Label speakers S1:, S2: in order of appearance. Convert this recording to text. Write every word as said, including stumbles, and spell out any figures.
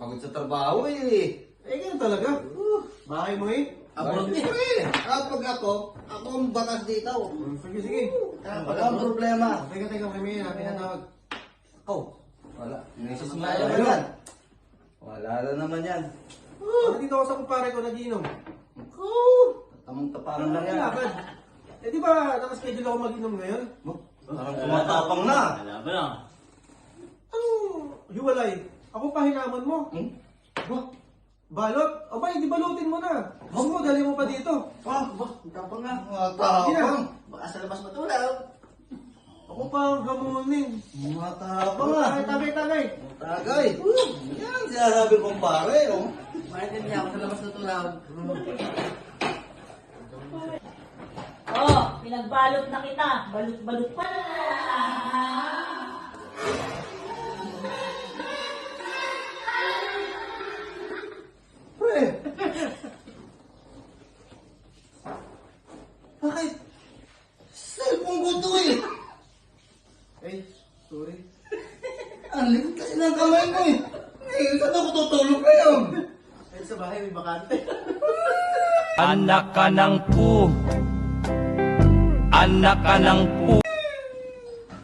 S1: Pagod sa trabaho eh.
S2: Eh, ganun talaga. Uh, bahay mo eh.
S1: Abroad eh. Kapag ako, ako ang batas dito.
S2: Sige, sige.
S1: Wala ang problema.
S2: Teka, teka, may may pinatawag.
S1: Oh, wala. Misis mo
S2: Wala
S1: na
S2: naman.
S1: yan. Wala na naman yan.
S2: Uh, dito ako sa kumpare ko, nagiinom.
S1: Ako, tamang tapangan lang
S2: Ano
S1: yan.
S2: lakad? Eh, di ba, nakaschedule ako mag-inom ngayon?
S1: Oh, Parang tumatapang na.
S3: Wala ba na?
S2: Anong hiwalay? Ako pa hinamon mo.
S1: Hmm? Ba?
S2: Balot? Aba, hindi balutin mo na. Gusto mo, dali mo pa dito.
S1: Ah, ba? Tapang na. Mga tapang. Baka sa labas matulaw.
S2: Ako pa ang gamunin.
S1: Mga tapang na.
S2: Tagay, tagay, tagay.
S1: Tagay. Yan, sinasabi kong pare. Oh.
S3: Bakit hindi ako sa labas natulaw?
S4: Oh, pinagbalot na kita. Balot-balot pa.
S1: Pre. Bakit? Cellphone ko to eh.
S2: Eh, sorry.
S1: Ang likod kasi ng kamay ko eh. Eh, saan ako tutulog ngayon?
S2: Eh, sa bahay may bakante.
S5: Anak ka ng pu. Anak ka ng pu.